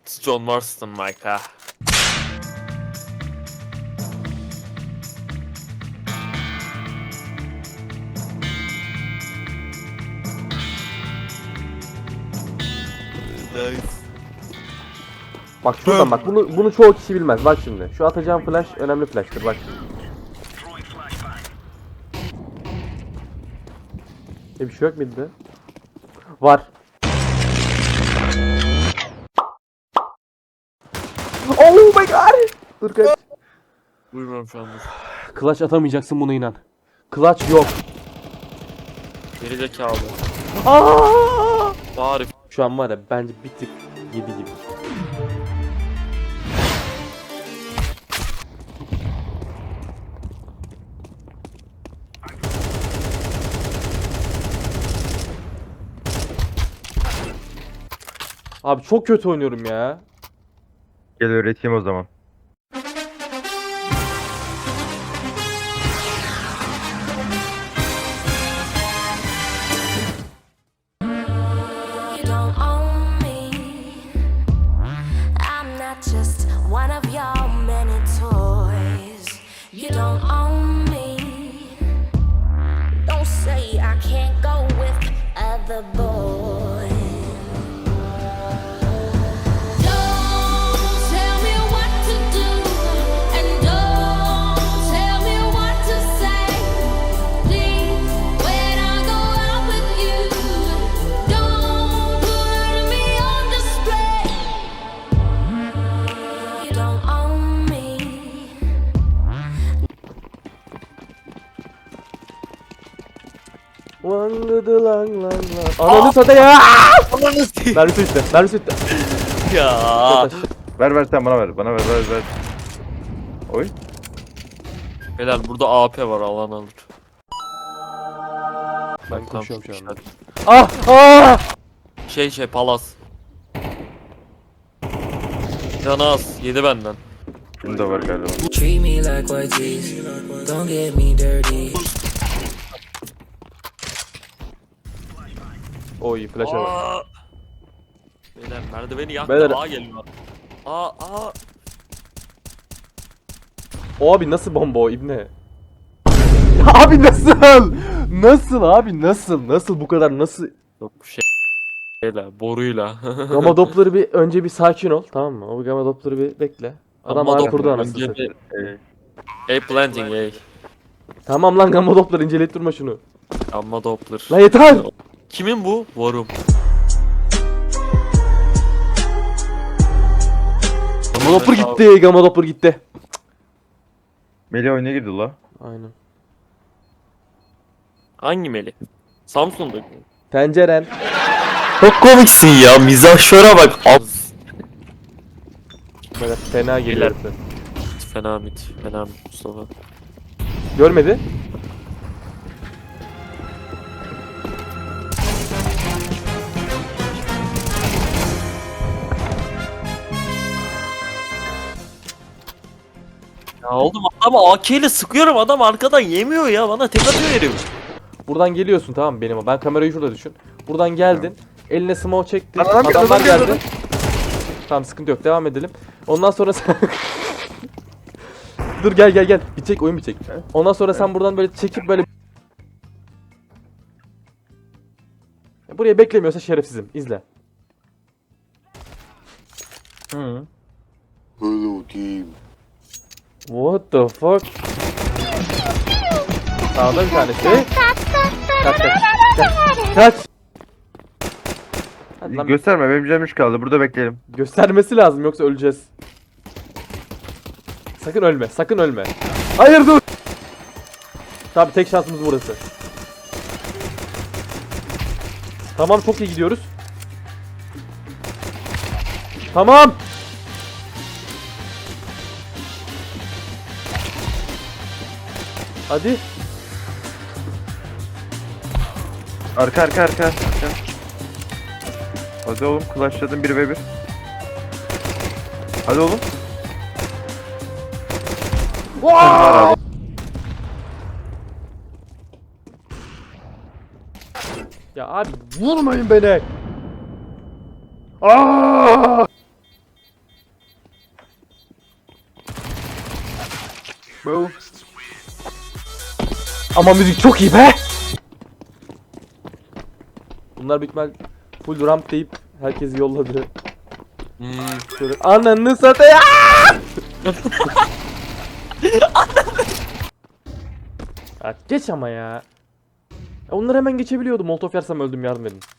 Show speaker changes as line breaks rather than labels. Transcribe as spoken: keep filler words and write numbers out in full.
John Marston Mike'a. Nice.
Bak şuradan bak, bunu bunu çoğu kişi bilmez. Bak şimdi. Şu atacağım flash önemli flash'tır. Bak şimdi. E bir şey yok muydu? Var. Oh my god! Dur kaç.
Buyurun şu anda.
Clutch atamayacaksın, buna inan. Clutch yok.
Geri zekalı.
Aa!
Bari.
Şu an var ya, bence bir tık yedi gibi. Abi çok kötü oynuyorum ya.
Gel öğreteyim o zaman.
You don't own me. I'm not just one of your many toys. You don't own me. Don't say I can't go with other boys. Don't tell me what to do, and don't tell me what to say. Please, when I go out with you, don't put me on display. You don't own me.
Langıdı lang lang lang. Ananı satayım ya.
Ananı s***.
Mermisi bitti. Mermisi bitti.
Ya.
Ver ver sen bana ver. Bana ver ver ver. Oy.
Beyler burada A P var, alan alır.
Ben
Tam
koşuyorum şu anda.
işaret.
Ah! Ah!
Şey şey palas. Canaz yedi benden.
Şunu da var galiba.
Treat me like white tees, don't get me dirty.
Oy flash'a bak.
Aa! Beyler merdiveni yaktı.
Beyler-
A geliyor. A A.
O abi nasıl bomba o ibne? Abi nasıl? Nasıl abi nasıl? Nasıl bu kadar nasıl?
Yok şey. Şeyle boruyla.
Gamma Doppler'ı bir önce bir sakin ol, tamam mı? O Gamma Doppler'ı bir bekle. Adam
Gamma
ağır kurdu
Doppler
anasını
önce
satayım.
A planting A.
Tamam lan, Gamma Doppler inceleyip durma şunu.
Gamma Doppler.
Lan yeter!
Kimin bu? Varum.
Gamma Doppler gitti, Gamma Doppler gitti.
Melih oyuna girdi la.
Aynen.
Hangi Meli? Samsun'da.
Tenceren.
Çok komiksin ya. Mizahşöre bak.
Böyle fena geliyor. herifler.
Fena mit. Fena mit Mustafa.
Görmedi.
Ya oğlum adamı A K ile sıkıyorum, adam arkadan yemiyor ya, bana tek atıyor herif.
Buradan geliyorsun, tamam mı benim? Ben kamerayı şurada düşün. Buradan geldin. Eline smoke çektin.
Lan adam geldi,
Adamlar
adam geldi.
geldi. Tamam, sıkıntı yok. Devam edelim. Ondan sonra sen... Dur gel gel gel. Bitecek, oyun bitecek. Ondan sonra sen buradan böyle çekip böyle... Buraya beklemiyorsa şerefsizim. İzle. Hı.
Hello team.
What the fuck? Sağda bir tanesi. Kaç kaç. Kaç. Kaç. Hadi lan,
Gösterme, benim canım üç kaldı. Burada bekleyelim.
göstermesi lazım yoksa öleceğiz. Sakın ölme, sakın ölme. Hayır dur. Tabii tek şansımız burası. Tamam, çok iyi gidiyoruz. Tamam. Hadi.
Arka arka arka. arka. Hadi oğlum, clutchladım bir ve bir. Hadi oğlum.
Ya abi vurmayın beni. Aa! Ama müzik çok iyi be. Bunlar büyük ihtimal full ramp deyip herkesi yolladı.
Hmm.
Şöyle ananı satayım. Ya geç ama ya. Ya onları hemen geçebiliyordum. Molotof yersem öldüm, yardım edin.